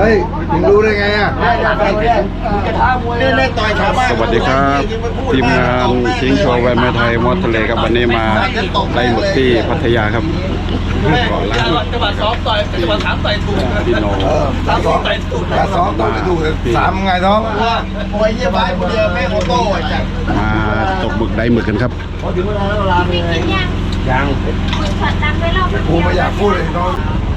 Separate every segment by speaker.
Speaker 1: ฮ้ยมึงรู้ได้ไงอ่ะ
Speaker 2: สวัสดีครับทีมงานชิงโชว์แวนแม่ไทยมอสทะเลครับวันนี้มาได้หมึกที่พัทยาครับก่อนแล้ว
Speaker 3: จังหวัดซ้อมต่อยจังหวัดถามต่อยถูก
Speaker 2: พี่โน
Speaker 1: ซ้อมต่อยถูกสามไงท้องโอ้ยเยี่ยมไปคนเดียวแม่โคโต้จัง
Speaker 2: มาตกหมึกได้หมึกกันครับ
Speaker 4: ยัง
Speaker 1: กูไม่อยากพูดเลยน้อง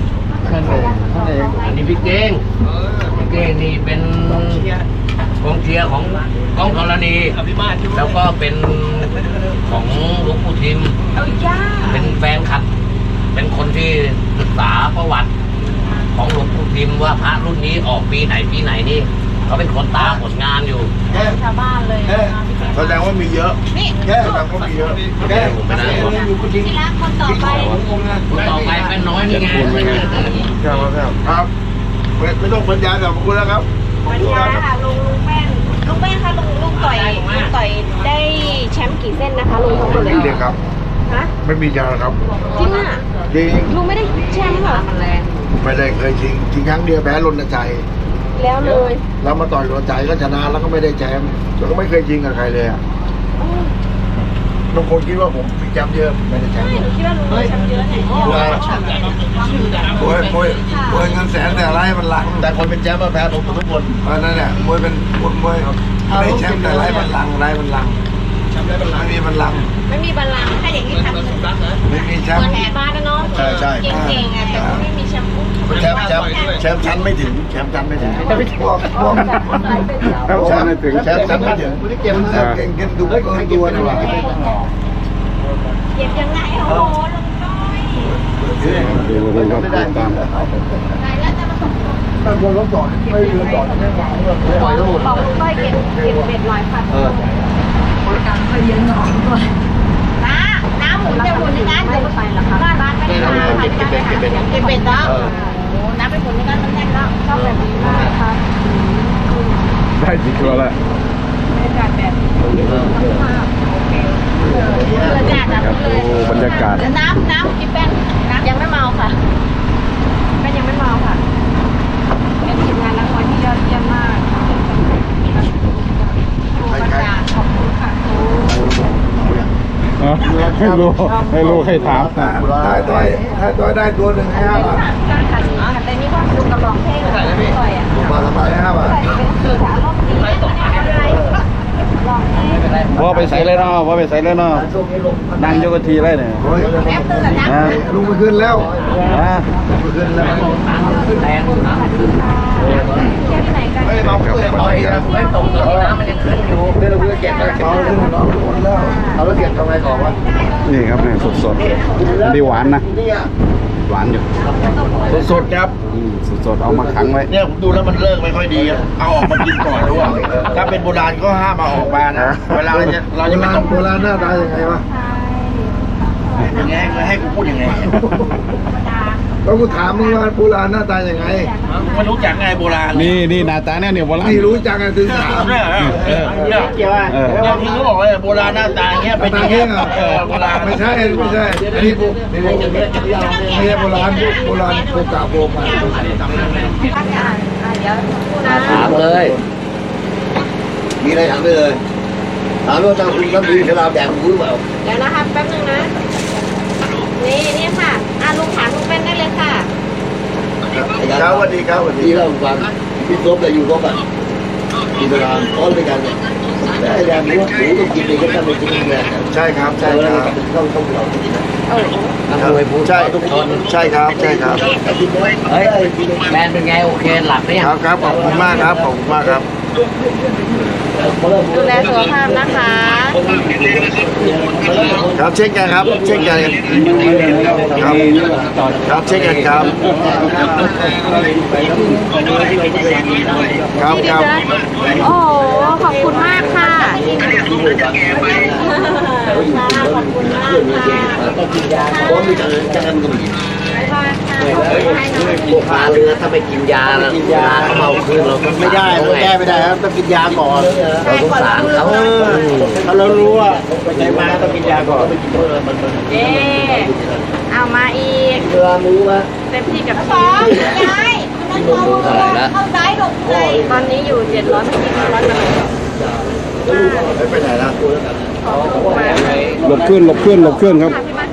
Speaker 4: อันนี้พี่เก้งนี่เป็นกองเชียร์ของกองธรณีแล้วก็เป็นของหลวงปู่ทิมเป็นแฟนคลับเป็นคนที่ศึกษาประวัติของหลวงปู่ทิมว่าพระรุ่นนี้ออกปีไหนนี่เขาเป็นคนตามผลงานอยู่
Speaker 5: ชาวบ้านเลย
Speaker 1: แสดงว่ามีเยอะแค่แสดงว่ามีเยอะแค่
Speaker 4: ผมไม่ได้
Speaker 5: ที่รักคนต่อไป
Speaker 4: เป็นน้อยนี่ไง
Speaker 1: ครับไม่ต้องบรรยายแบบคุณแล้วครับ
Speaker 5: บรรยายค่ะลุงแป้งค่ะลุงต่อยได้แชมป์กี่เส้นนะคะลุงทั้งหมดเลย
Speaker 1: เด็กครับ
Speaker 5: ฮะ
Speaker 1: ไม่มีจานครับ
Speaker 5: จริงอ่ะ
Speaker 1: จริง
Speaker 5: ลุงไม่ได้แชมป์เหรอ
Speaker 1: ไม่ได้เคยชิงครั้งเดียวแพ้รณชัย
Speaker 5: แล้วเลย
Speaker 1: แล้วมาต่อยรณชัยก็ชนะแล้วก็ไม่ได้แชมป์แล้วก็ไม่เคยชิงกับใครเลยอ่ะบางคนคิดว่าผมมีแชมป์เยอะไม่ได้แชมป์
Speaker 5: ไม่หนูคิดว่าลุงมีแชมป์เยอะเนี่ย
Speaker 1: มวยเงินแสนแต่ไรมันหลังแต่คนเป็นแชมป์มาแพ้ผมทุกคนนั่นแหละมวยเป็นมวยได้แชมป์แต่ไรมันหลังแชมป์ได้บัลลังก์
Speaker 5: ไม่มีบัลลังก์ถ้าอย่างนี้ทำ
Speaker 1: ไม่มีแชมป์
Speaker 5: เหมือนแห่บ้านนะเนาะ
Speaker 1: ใช่
Speaker 5: เก่งๆอ่ะแต่ไม่มีแชมป์
Speaker 1: แชมป์ชั้นไม่ถึงแชมป์ชั้นไม่ถึงแชมป์ชั้นไม่ถึงแชมป์ชั้นไม่ถึงเก่งดูเกินตัวนะว่ะ
Speaker 5: เก็บยังไงโอ้โหลุงน้อย
Speaker 2: ดูครับตาม
Speaker 1: ถ้าคนรถจอดไม่เรือจอดไม่หวังเลย
Speaker 5: ปล่อยลุงต้อยเก็บเบ็ดหน่อยค่ะการเคยเย็นหน่อยด้วยน้ำหมุนจะหมุนในการเดี๋ยวไปหรอคะบ้านไม่ได้เก็บเบ็ดแล้วน้ำไปหมุนในการมันแน่นแล้วชอบแบบนี้มากค่ะ
Speaker 2: ได้กี่ตัวแล้ว
Speaker 5: บรรยากาศแบบ
Speaker 2: บรรยากาศ
Speaker 5: น้ำกินแป้งยังไม่เมาค่ะแป้งยังไม่เมาค่ะเป็นทีมงานนักมวยที่ยอดเยี่ยมมากขอบคุณค่ะ
Speaker 2: ไม่รู้ใครถาม
Speaker 1: ถ้าต่อยได้ตัวหนึ่งให้5 บาท
Speaker 5: การขัดแต่นี่ก็ดูกระบอกเท่เลยต่อยอ่ะ
Speaker 1: มาละมา5 บาท
Speaker 5: สื่อสารรอบนี้ไม่เป็นไร
Speaker 2: พ่อไปใส่เลยเนาะนั่งยกทีเลยเนี่ย
Speaker 1: ลุงไปขึ้นแล้วไปขึ้นแล้วไม่เราเพื่อนต่อยนะ
Speaker 4: ไม่ตกน้ำมันยังขึ้นอยู่ไม่รู้จะเก็บอะไร
Speaker 1: เอาขึ้นแล้วเอาแล้วเก็บทำไมก่อนวะ
Speaker 2: นี่ครับเนี่ยสดๆดีหวานนะหวานอยู่
Speaker 1: สดครับ
Speaker 2: สดเอามาขังไว้
Speaker 1: เนี่ยผมดูแล้วมันเลิกไม่ค่อยดีเอาออกมากินก่อนด้วยถ้าเป็นโบราณก็ห้ามมาออกมานะเวลาเราจะไม่ต้องโบราณหน้าตายังไงวะยังไงให้กูพูดยังไงก็กูถามมึงว่าโบราณหน้าตายังไงไม่รู้จักไงโบราณ
Speaker 2: นี่หน้าตาเนี่ยโบราณ
Speaker 1: ไม่รู้จักไงถึงถามเนี่ยเกี่ยวว่าที่เขาบอกเลยโบราณหน้าตาเงี้ยเป็นอย่างเงี้ยโบราณไม่ใช่อันนี้ไม่ใช่โบราณโบกาโบมา
Speaker 4: ถามเลย
Speaker 1: มีอะไรถามได้เลยถามว่าทางคุณรับดีฉลาดแดงรู้เปล่า
Speaker 5: เดี๋ยวนะคะแป๊บนึงนะนี่ค่ะลุงถามลุงเป็นได้เลยค่ะ
Speaker 1: ครับสวัสดีเราฟังพี่ซบแต่อยู่ก็แบบกินเวลาต้อนด้วยกันเนี่ยได้แรงหมูต้องกินเองก็ต้องไปกินแรงใช่ครับต้องเรากินนะ
Speaker 4: นักมวยผู้
Speaker 1: ใช่ทุกคนใช่ครับ
Speaker 4: เฮ้ยแมนเป็นไงโอเคหลับไหม
Speaker 1: ครับขอบคุณมากครับ
Speaker 5: ดูแลสุขภาพนะคะ
Speaker 1: ครับเช่นกันครับเช่นกันครับเช่นกันครับ
Speaker 5: โอ้ขอบคุณมากค่ะขอบคุณมากค่ะ
Speaker 4: พร้อมมีการกำหนดพวกพาเรือถ้าไม่กินยาแล้วเวลาเขาเมาคืนเรา
Speaker 1: ไม่ได้เราแก้ไม่ได้ครับต้องกินยาก่อน
Speaker 4: เราสงสารเขา
Speaker 1: ถ้าเรารู้ว่าไปไหนมาต้องกินยาก่อน
Speaker 5: เอามาอีก
Speaker 4: เรือรู้ว่า
Speaker 5: เต็มที่กับพี่ยาย
Speaker 4: พี่นุ่มดูเท่าไหร่ละ
Speaker 5: เข้าซ้ายหลบในตอนนี้อยู่700ไม่กี่ร้อยมา
Speaker 1: ไม่ไปไหนละ
Speaker 2: หลบขึ้นหลบขึ้นหลบขึ้นครับ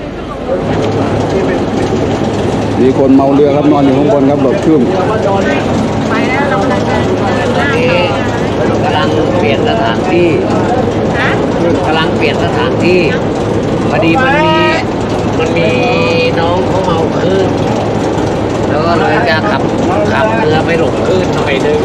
Speaker 2: มีคนเมาเรือครับนอนอยู่ข้างบนครับหลบขึ้น
Speaker 5: ไปแล้วเรากำลังจะเดินหน้า
Speaker 4: นี่กำลังเปลี่ยนสถานที่
Speaker 5: ฮะ
Speaker 4: กำลังเปลี่ยนสถานที่พอดีมันมีน้องเขาเมาคลื่นแล้วก็เลยจะขับเรือไปหลบคลื่นหน่อยนึง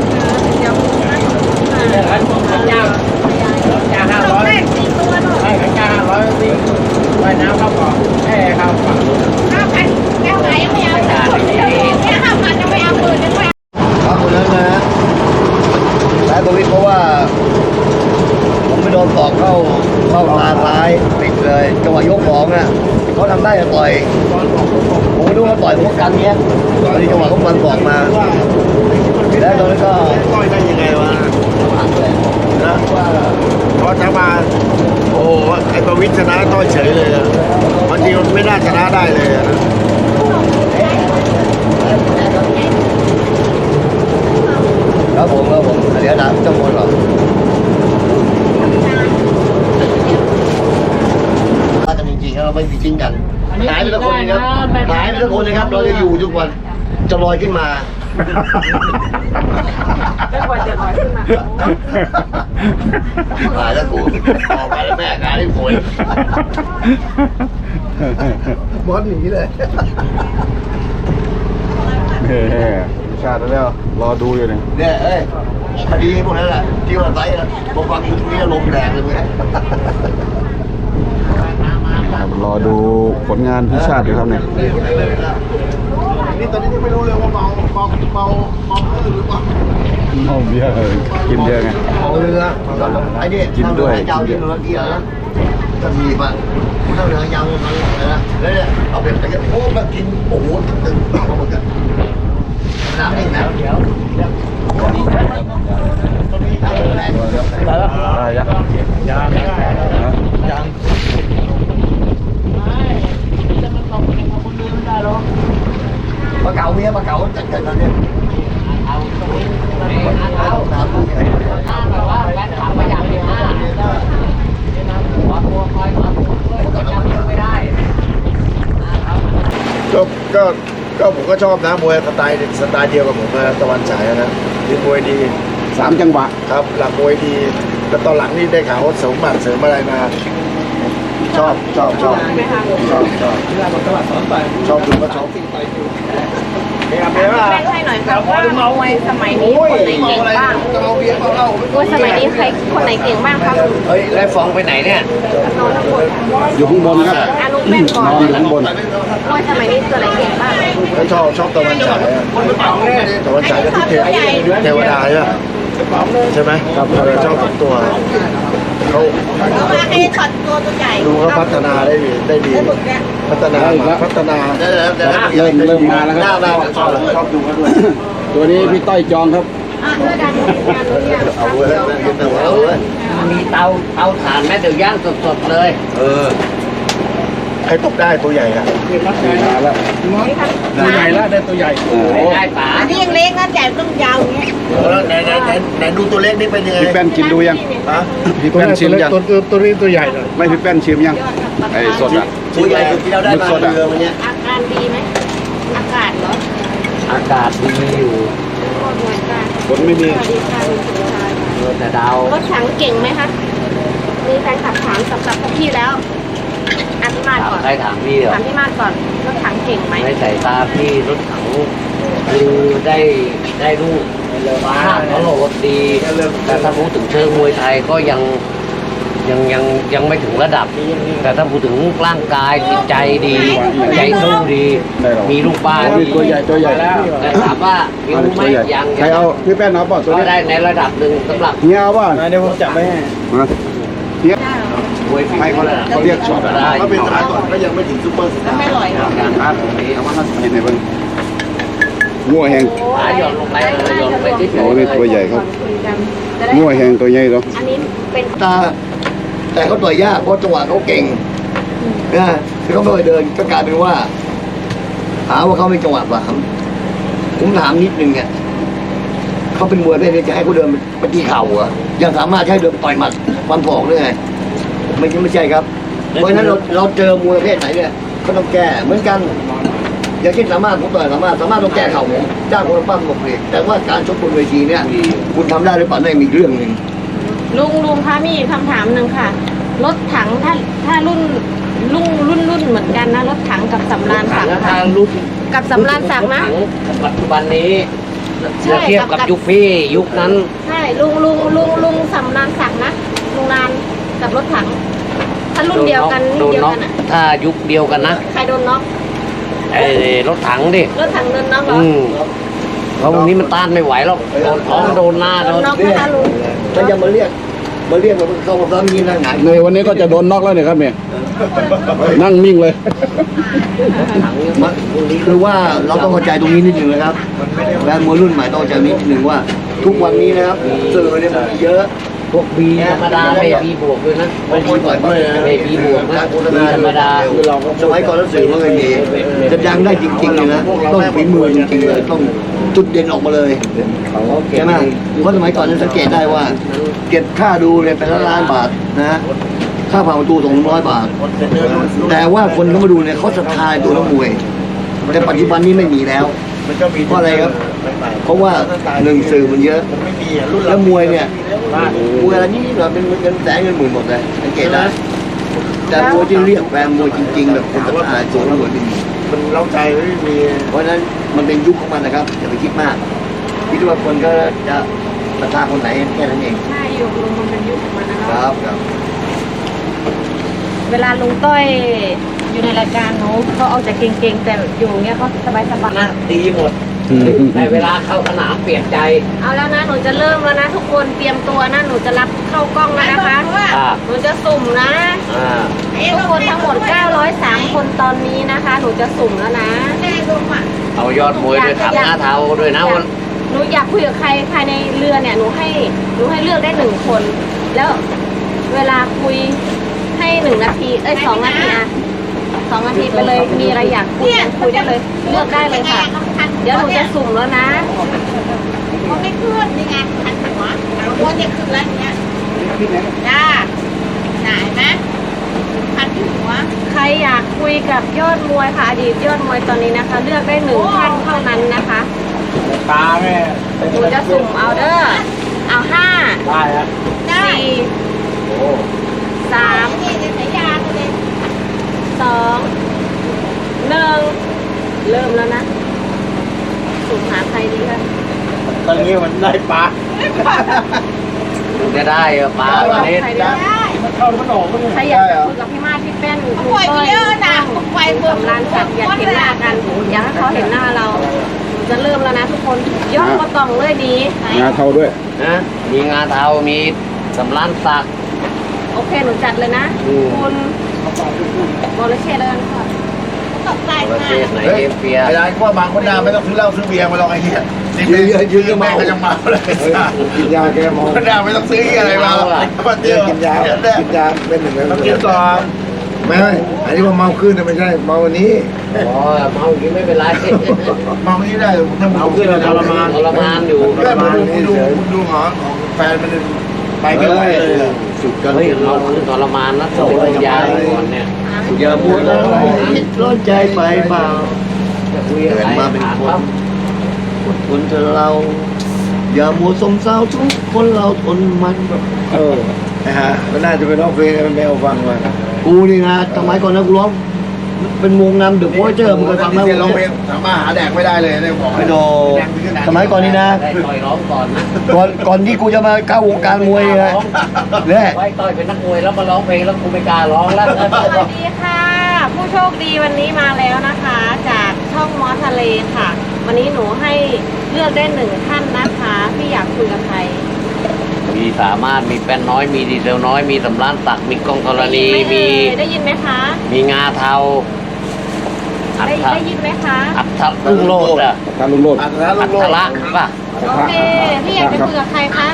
Speaker 5: ต้องแรก4ตัวหนู5,000แก้วไหนยังไม่เอาแค่5,000ยังไม่เอา10,000ยังไม่เอา
Speaker 1: ครับคนนั้นนะสายโควิดเพราะว่าผมไปโดนตอกเข้าตาซ้ายติดเลยจังหวะยกของอ่ะเขาทำได้จะต่อยผมไม่รู้เขาต่อยพวกกันเนี้ยตอนนี้จังหวะเขาฟันตอกมาแล้วตอนนั้นก็ต่อยได้ยังไงวะนะพอจะมาโอ้โหไอ้ประวิตรชนะต้อยเฉยเลยอะบางทีมันไม่น่าชนะได้เลยอะนะครับผมเดี๋ยวด่าเจ้าคนหรอถ้ากันจริงๆเราไม่ทิ้งกันหายไปทุกคนนะครับหายไปทุกคนนะครับเราจะอยู่ทุกวันจะลอยขึ้นมา
Speaker 5: ไม่ควรจะลอยขึ้นมา
Speaker 1: หายแล้วกูออกไปแล้วแม่กาได้ผลบอสหนีเลย
Speaker 2: เฮ้ชาติแล้วรอดูอยู่เนี่ย
Speaker 1: เนี่ยเอ้ยคดีพวกนั้นแหละที่ว่าไซส์นะผมฟังอยู่ตรงนี้ลมแรงเลยไหม
Speaker 2: ครับรอดูผลงานพี่ชาติอยู่ครับเนี่ย
Speaker 1: นี่ตอนนี้ที่ไม่รู้เลยว่าเมาหรือเปล่า
Speaker 2: เมาเบียร์กินเยอะไง
Speaker 1: เมาเรือไอ้นี่
Speaker 2: กินด้วย
Speaker 1: เจ้าที่เรือเกียร์นะจะมีป่ะถ้าเรือยาวมันอะไรนะแล้วเนี่ยเอาเป็นไปกันโอ้มากินโอ้โหตึงเอาหมดกันน้ำเองนะเดี๋ยว
Speaker 2: ได้ยัง
Speaker 1: ปลาเก๋าเมียปลาเก๋าจัดกันแล้วเนี่ยน้ำผู้ใหญ่ก็ผมก็ชอบนะมวยสไตล์เดียวกับผมนะตะวันฉายนะคือมวยดี
Speaker 2: 3 จังหวะ
Speaker 1: ครับหลักมวยดีแล้วตอนหลังนี่ได้ข่าวว่าเสริมหมัดเสริมอะไรมาชอบดูก็ชอบเฮ้ยเบียร์ป่ะ
Speaker 5: แบ่งให้หน่อยครับว่ามวยสมัยนี้คนไหนเก่งบ้างมวยสมัยนี้ใครคนไหนเก่งบ้างครับ
Speaker 4: เฮ้ยแล้วฟองไปไหนเนี่ย
Speaker 5: นอนข้างบน
Speaker 2: อยู่ข้างบนครับ
Speaker 5: อาลูกแม่ก่อน
Speaker 2: นอนอยู่ข้างบน
Speaker 5: มวยสมัยนี้ตัวไหนเก่งบ้าง
Speaker 1: แล้วชอบตะวันฉายอะตะวันฉายกับที่เทวดาใช่ไหมครับชอบ2ตัวเขา
Speaker 5: เอามาให้ช็อตตัวใหญ่
Speaker 1: ดูเขาพัฒนาได้ดีพัฒนาเริ่มมาแล้วครับชอบดูเขาด้วย
Speaker 2: ตัวนี้พี่ต้อยจองครับ
Speaker 5: เพื่อการงานเนี่ย
Speaker 1: เอาเลย
Speaker 4: มีเตาถ่านแม่เดี๋ยวย่างสดๆเลย
Speaker 1: ใครตกได้ตัวใหญ่อะ
Speaker 2: มาแล้ว
Speaker 1: ตัวใหญ่แล้วได้ตัวใหญ่
Speaker 4: ได้ป๋า
Speaker 5: อันนี้ยังเล็กนะใหญ่ต้องยาวอย่างเงี้ย
Speaker 1: แล้วไหนดูตัวเล็กนี่เป็นยังไง
Speaker 2: พี่แป้นกินดูยัง
Speaker 1: ฮะ
Speaker 2: พี่แป้นชิมยัง
Speaker 1: ตัวนี้ตัวใหญ่เลย
Speaker 2: ไม่พี่แป้นชิมยังไอ้สดอ่ะ
Speaker 1: ตัวใหญ่ที่เราได้มาเรือมันเนี้ย
Speaker 5: อาการดีไหมอากาศเหรอ
Speaker 4: อากาศดีอยู่
Speaker 5: หน่วยการ
Speaker 2: ฝนไม่มี
Speaker 5: สวัสดีค่ะคุณสุชาย
Speaker 4: แต่ดาว
Speaker 5: รถถังเก่งไหมคะมีแฟนขับถามสำหรับพวกพี่แล้วอ่ะพี่มาดก่อน
Speaker 4: ใครถามพี่เหรอ
Speaker 5: ถามพี่มาดก่อนรถถังเก่งไหม
Speaker 4: ในสายตาพี่รถถังคือได้ลูกภาพเขาโหดดี แต่ถ้าพูดถึงเชิงมวยไทยก็ยังไม่ถึงระดับ แต่ถ้าพูดถึงร่างกายจิตใจดีใจสู้ดี มีลูกบ้าน
Speaker 2: ตัวใหญ่ตัวใหญ่แล้ว
Speaker 4: แต่ถามว่ามีรู้ไหมยัง
Speaker 2: ใครเอาพี่แป้นเอาเปล่าตัว
Speaker 4: ก็
Speaker 2: นี้
Speaker 4: ได้ในระดับหนึ่งสำหรับ
Speaker 2: เฮียเอาเปล่า
Speaker 1: เดี๋ยวผมจับไว้ให้
Speaker 2: มาเฮีย
Speaker 4: มวยฝี
Speaker 2: ให้
Speaker 4: มื
Speaker 2: เขาเรียกช็อต
Speaker 4: ได้
Speaker 1: ก็เป็นสมัยก่อนก็ยังไม่ถึงซุปเปอร์สตาร์
Speaker 5: ไม่อร่อยหรอ
Speaker 4: การพาดตรงนี้
Speaker 2: เอามากินให้เบิ่งงัวแหง
Speaker 4: ขาหย่อนลงไปเลยหย่อนลงไปที่
Speaker 2: โอ้นี่ตัวใหญ่ครับ
Speaker 5: คุยกันจะได้
Speaker 2: งัวแหงตัวใหญ่เนาะ
Speaker 5: อันนี้เป็น
Speaker 1: ตาแต่เขาต่อยยากเพราะจังหวะเขาเก่งนะคือเขาไม่เคยเดินก็กลายเป็นว่าหาว่าเขาไม่จังหวะบ้าง
Speaker 6: ผมถามนิดนึงเนี่ยเขาเป็นมวยประเภทจะให้เขาเดินไปตีเข่าเหรอยังสามารถให้เดินต่อยหมัดฟันศอกได้ไงไม่ใช่ครับเพราะฉะนั้นเราเจอมวยประเภทไหนเนี่ยก็ต้องแก้เหมือนกันอย่างเช่นสามารถผมต่อยสามารถต้องแก้เข่าผมจ้างคนปั้มหมดเลยแต่ว่าการชกบนเวทีเนี่ยคุณทำได้หรือเปล่านั่นมีเรื่องหนึ่ง
Speaker 5: ลุงคะมีคำถามหนึ่งค่ะรถถังถ้ารุ่นเหมือนกันนะรถถังกับสำราญศักดิ์
Speaker 4: ทางรุ่น
Speaker 5: กับสำราญศักดิ์นะ
Speaker 4: ปัจจุบันนี้
Speaker 5: ใช่
Speaker 4: เทียบกับยุคพี่ยุคนั้น
Speaker 5: ใช่ลุงสำราญศักดิ์นะลุงนานกับรถถังถ้ารุ่นเดียวกัน
Speaker 4: โดนน็อก
Speaker 5: อ่ะ
Speaker 4: ถ้ายุคเดียวกันนะ
Speaker 5: ใครโดนน็อก
Speaker 4: ไอ้รถถังดิ
Speaker 5: รถถังโดนน็อกเหรอ
Speaker 4: เพราะวันนี้มันต้านไม่ไหวหรอกโดนท้องโดนหน้า
Speaker 5: โด
Speaker 4: โด
Speaker 5: น
Speaker 4: น
Speaker 5: น็อกนะคะลุง
Speaker 6: ถ้ายังมาเรียกมาเข้ามาซ้อมยิงนั่งหงาย
Speaker 2: ในวันนี้ก็จะโดนน็อกแล้วเนี่ยครับเนี่ยนั่งนิ่งเลย
Speaker 6: คือว่าเราต้องเข้าใจตรงนี้นิดหนึ่งนะครับแฟนมวยรุ่นใหม่ต้องเข้าใจนิดหนึ่งว่า ทุกวันนี้นะครับสื่อเนี่ยมันมีเยอะ
Speaker 4: พวกบีธรรมดาเบบีบวกด้วยนะ
Speaker 6: บางคนต่อยเลยนะ
Speaker 4: เบบีบวกนะ
Speaker 6: การโฆษ
Speaker 4: บี
Speaker 6: ณา
Speaker 4: ธรรมดา
Speaker 6: สมัยก่อนแล้วสื่อไม่เคยมีจะดังได้จริงๆเลยนะต้องฝีมือจริงๆเลยต้องจุดเด่นออกมาเลยใช่ไหมเพราะสมัยก่อนนั้นสังเกตได้ว่า เก็บค่าดูเนี่ยเป็นล้านบาทนะฮะค่าผ่านประตู200 บาท แต่ว่าคนเขามาดูเนี่ยเขาศรัทธาในตัวนักมวย แต่ปัจจุบันนี้ไม่มีแล้ว
Speaker 1: มันก็มี
Speaker 6: เพราะอะไรครับ เพราะว่าหนึ่งสื่อมันเยอะ
Speaker 1: ผมไม่มีอ่ะรุ่น
Speaker 6: แล้วมวยเนี่ยมวยอะไรนี่เราเป็นเงินแสนเงินหมื่นหมดเลยสังเกตได้แต่มวยที่เรียกแฟนมวยจริงๆแบบคนศรัทธาตัวนักมวยจริง
Speaker 1: มันเล้าใจไม่มี
Speaker 6: เพราะฉะนั้นมันเป็นยุคของมันนะครับอย่าไปคิดมากคิดว่าคนก็จะศรัทธาคนไหนแค่นั้นเอง
Speaker 5: ใช่ยุคลุงมันเป็นยุคของมันนะ
Speaker 6: ค
Speaker 5: คะ
Speaker 6: รับครับ
Speaker 5: เวลาลุงต้อยอยู่ในรายการหนูเขาเอาแต่เก่งๆแต่อยู่เงี้ยเขาสบาย
Speaker 4: นะดีหมดในเวลาเข้าสนามเปลี่ยนใจ
Speaker 5: ๆเอาแล้วนะหนูจะเริ่มแล้วนะทุกคนเตรียมตัวนะหนูจะรับเข้ากล้องแล้วนะคะ หนูจะสุ่มนะ ทุกคนทั้งหมด 903 คนตอนนี้นะคะ หนูจะสุ่มแล้วนะ
Speaker 4: เอายอดมวยด้วยถังหน้าเทาด้วยนะวัน
Speaker 5: หนูอยากคุยกับใครภายในเรือเนี่ยหนูให้เลือกได้1 คน แล้วเวลาคุยให้1 นาที2 นาทีอะ2 นาทีไปเลยมีอะไรอยากคุยได้เลยเลือกได้เลยค่ะ เดี๋ยวหนูจะสุ่มแล้วนะ
Speaker 7: มันไม่ขึ้นนี่ไงพันหัวหัวจะขึ้นแล้วเนี้ยจ้าไหนไหมพันหัว
Speaker 5: ใครอยากคุยกับยอดมวยค่ะอดีตยอดมวยตอนนี้นะคะ เลือกได้1 ท่านเท่านั้นนะคะ
Speaker 1: ตาแม่
Speaker 5: หนูจะสุ่มเอาเด้อเอา5
Speaker 1: ได้ฮะ
Speaker 5: 4 3
Speaker 7: นี่จะใช้ยาเลย
Speaker 5: 2 1 เริ่มแล้วนะสุ่มหาใครดีคะ
Speaker 1: ตอนนี้มันได้ปลา
Speaker 4: จะได้ปลาตอนนี้
Speaker 5: ใครดี
Speaker 1: มันเข้าแล้วมันออกก็
Speaker 5: ใครอยากจะคุยกับพี่มาศพี่แป้นคุณ
Speaker 7: ปล่อย
Speaker 5: ก้อย
Speaker 7: เยอะนะปล่อย
Speaker 5: สำรานสัตว์อยากเห็นหน้ากันอยากให้เขาเห็นหน้าเราหนูจะเริ่มแล้วนะทุกคนยอดก็ต้องเลยดี
Speaker 2: งาเทาด้วย
Speaker 4: นะมีงาเทามีสำรานสัก
Speaker 5: โอเคหนูจัดเลยนะ คุณบริเชษเลยค่ะ
Speaker 7: ตกใจ
Speaker 4: ประ
Speaker 7: มา
Speaker 4: เทศไหนเอเชีย
Speaker 1: ไอ้ร้านก็บางคนหน้าไม่ต้องซื้อเหล้าซื้อเบียร์มาลองไอ้เหี้ยยืนก็เมาก็ยังเมาเลย
Speaker 6: กินยาแก้เมา
Speaker 1: คนหน้าไม่ต้องซื้ออะไรมามาเจอ
Speaker 6: กินยาเป็นหนึ่ง
Speaker 1: ต้องกินก่อน
Speaker 6: ไม่อันนี้ว่าเมาขึ้นนะไม่ใช่เมาวันนี้
Speaker 4: อ๋อเมาอย่างนี้ไม่เป็นไร
Speaker 1: เมานี้ได้ถ้าเมาขึ้นเราทรมาน
Speaker 4: ทรมานอยู่
Speaker 1: แม่ดูหงอนของแฟนมันไปไม่ไหวเลย
Speaker 6: สุดกัน
Speaker 4: เฮ้ยเราคือทรมานนะต้องเป็นยาก่อนเนี่ย
Speaker 6: อย่าพูดอะไรร้อนใจไปเปล่า
Speaker 4: จะคุยอะไร
Speaker 6: เกิดมาเป็น
Speaker 4: ถาม
Speaker 6: ค
Speaker 4: ครับ
Speaker 6: นอดทนเธอเรา อย่ามัวสมเศร้าทุกคนเราทนมันนะฮะมันน่าจะเป็นร้องเพลงให้แมวฟังมากูนี่นะสมัยก่อนนะกูร้องเป็นวงนำเดอะโพสเจอร์มึงเคยฟังไหม
Speaker 1: เรียนร้องเพลงสามารถหาแดกไม่ได้เลยได้บอก
Speaker 6: ไม่โดสมัยก่อนนี่นะ
Speaker 4: ได้ต่อยร้องก่อนนะ
Speaker 6: ก่อนที่กูจะมาเข้าวงการมวยนะเนี่ย
Speaker 4: ไว้ต่อยเป็นนักมวยแล้วมาร้องเพลงแล้วกูไม่กล้าร้องแล้ว
Speaker 5: สวัสดีค่ะ ผู้โชคดีวันนี้มาแล้วนะคะ จากช่องมอสทะเลค่ะ วันนี้หนูให้เลือกได้1 ท่านนะคะที่อยากคุยกับใคร
Speaker 4: มีสามารถมีแป้นน้อยมีดีเซลน้อยมีสำรานตักมีกล้องธรณีมี
Speaker 5: ได้ยินไหมคะ
Speaker 4: มีงาเทาอัฐ
Speaker 5: ได้ยินไหมคะ
Speaker 4: อัฐลุงโลดอะ
Speaker 2: การลุงโลด
Speaker 1: อันนั้น
Speaker 4: อั
Speaker 1: ลูก
Speaker 4: ฐละป่ะ
Speaker 5: โอเคพี่อยากจะคุยกับใครคะ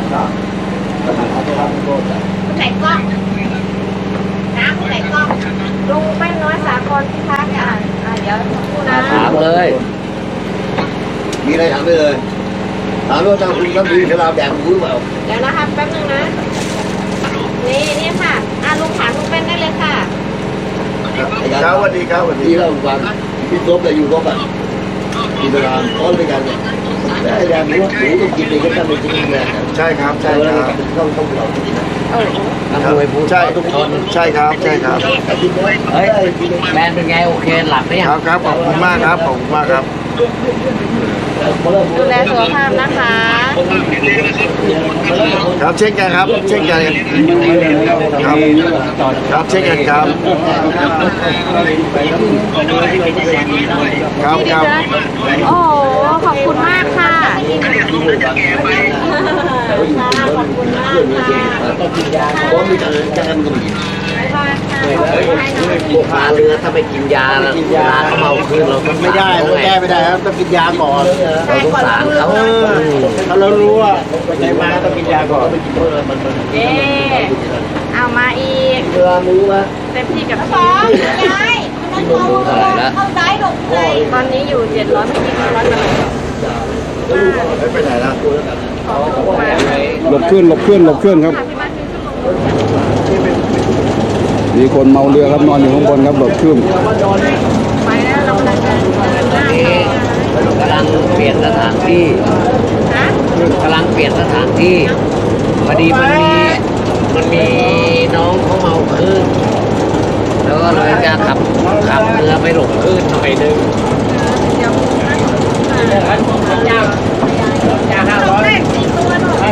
Speaker 7: คนไหนกล้องน้ำคนไหนกล้อง
Speaker 5: ลุงแป้นน้อยสากลพิทักษ์เดี๋ยวสักครู่นะ
Speaker 4: ถามเลย
Speaker 6: อะไรถามได้เลยถามว่าทางคุณน้ำดีขนาดแดงรู้หรือเปล่า
Speaker 5: เดี๋ยวนะคะแป๊บนึงนะนี่ค่ะลุงถามลุงเป็นได้เลยค่ะ
Speaker 1: ครับสวัสดีครับสวัสดี
Speaker 6: ที่เราฟังพี่ครบแต่อยู่ครบอ่ะกินเวลาต้อนด้วยกันเนี่ยแต่แดงรู้หมูต้องกินเองก็ต้องเป็นกินแดง
Speaker 1: ใช่ครับใช่ครับ
Speaker 6: ต้องเรากินนะ
Speaker 4: นักมวยผู้
Speaker 1: ใช่
Speaker 4: ทุกคน
Speaker 1: ใช่ครับใช่ครับ
Speaker 4: เฮ้ยแฟนเป็นไงโอเคหลับไหม
Speaker 1: ครับครับขอบคุณมากครับขอบคุณมากครับ
Speaker 5: ดูแลสุขภาพนะคะ
Speaker 1: ครับเช่นกันครับเช่นกันครับครับเช่นกันครับครับครับ
Speaker 5: โอ้ขอบคุณมากค่ะขอบคุณมากค่ะ
Speaker 6: เพราะมีการแก้มก็มี
Speaker 5: บ๊ายบายค่ะ
Speaker 4: พวกปลาเรือถ้าไปกินยาแล้วเวลาเขาเมาคืนเราต้อง
Speaker 1: ไม่ได้ไม่แก้ไม่ได้ครับต้องกินยาก่อน
Speaker 4: เราสงสารเขา
Speaker 1: ถ้าเรารู้ว่าไปไหนมาต้องกินยาก่อน
Speaker 5: เย้เอามาอีก
Speaker 6: เวลารู้ว่า
Speaker 5: เต็มที่กับ
Speaker 7: สองยายมันเข้าซ้ายลงเลย
Speaker 5: ตอนนี้อยู่700เมื่อกี้100กันเลย
Speaker 1: ไปไหนแล้ว
Speaker 5: ขอบคุณมากค่ะ
Speaker 2: หลบเคลื่อนหลบเคลื่อนหลบเคลื่อนครับ
Speaker 5: พี่มาซื้อขนม
Speaker 2: มีคนเมาเรือครับนอนอยู่ข้างบนครับหลบเคลื่อน
Speaker 5: ไปแล้วเรากำลังจะเดินหน้า
Speaker 4: นี่กำลังเปลี่ยนสถานที่
Speaker 5: ฮะ
Speaker 4: กำลังเปลี่ยนสถานที่พอดีมันมีน้องเขาเมาคืนแล้วก็เลยจะขับเรือไปหลบคืนหน่อยนึง
Speaker 5: เดี๋ยวต้องแรก4ตัวหน่อย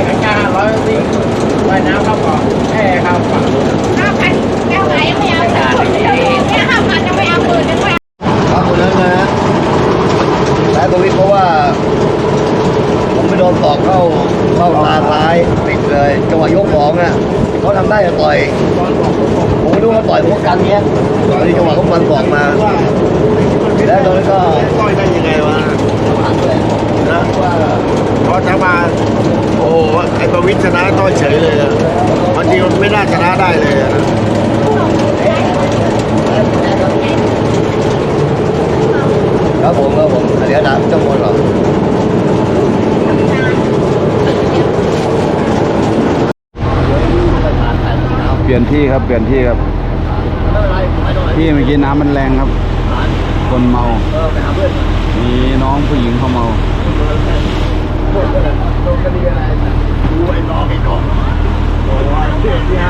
Speaker 5: 5,000แก้วไหนไม่เอาเนี่ย5,000ยังไม่เอา10,000ยังไม่เอา
Speaker 6: ครับคนนั้นนะและตรงนี้เพราะว่าผมไปโดนตอกเข้าตาซ้ายปิดเลยจังหวะยกของอ่ะเขาทำได้จะต่อยผมไม่รู้ว่าต่อยพวกกันเนี้ยตอนนี้จังหวะเขาฟันตอกมาแล้วตอนนี้ก็
Speaker 1: ต้อยได้ยังไงวะ
Speaker 6: ผ่านไปแล้ว
Speaker 1: นะพอจะมาโอ้โหไอ้ประวิตรชนะต้อยเฉยเลยอะบางทีมันไม่น่าชนะได้เลยอะนะ
Speaker 6: ครับผมเดี๋ยวนะจังหวะหรอ
Speaker 2: เปลี่ยนที่ครับเปลี่ยนที่ครับที่เมื่อกี้น้ำมันแรงครับ คนเมา มีน้องผู้หญิงเขาเมา
Speaker 1: ดูไอ้น้องโอ้ยที่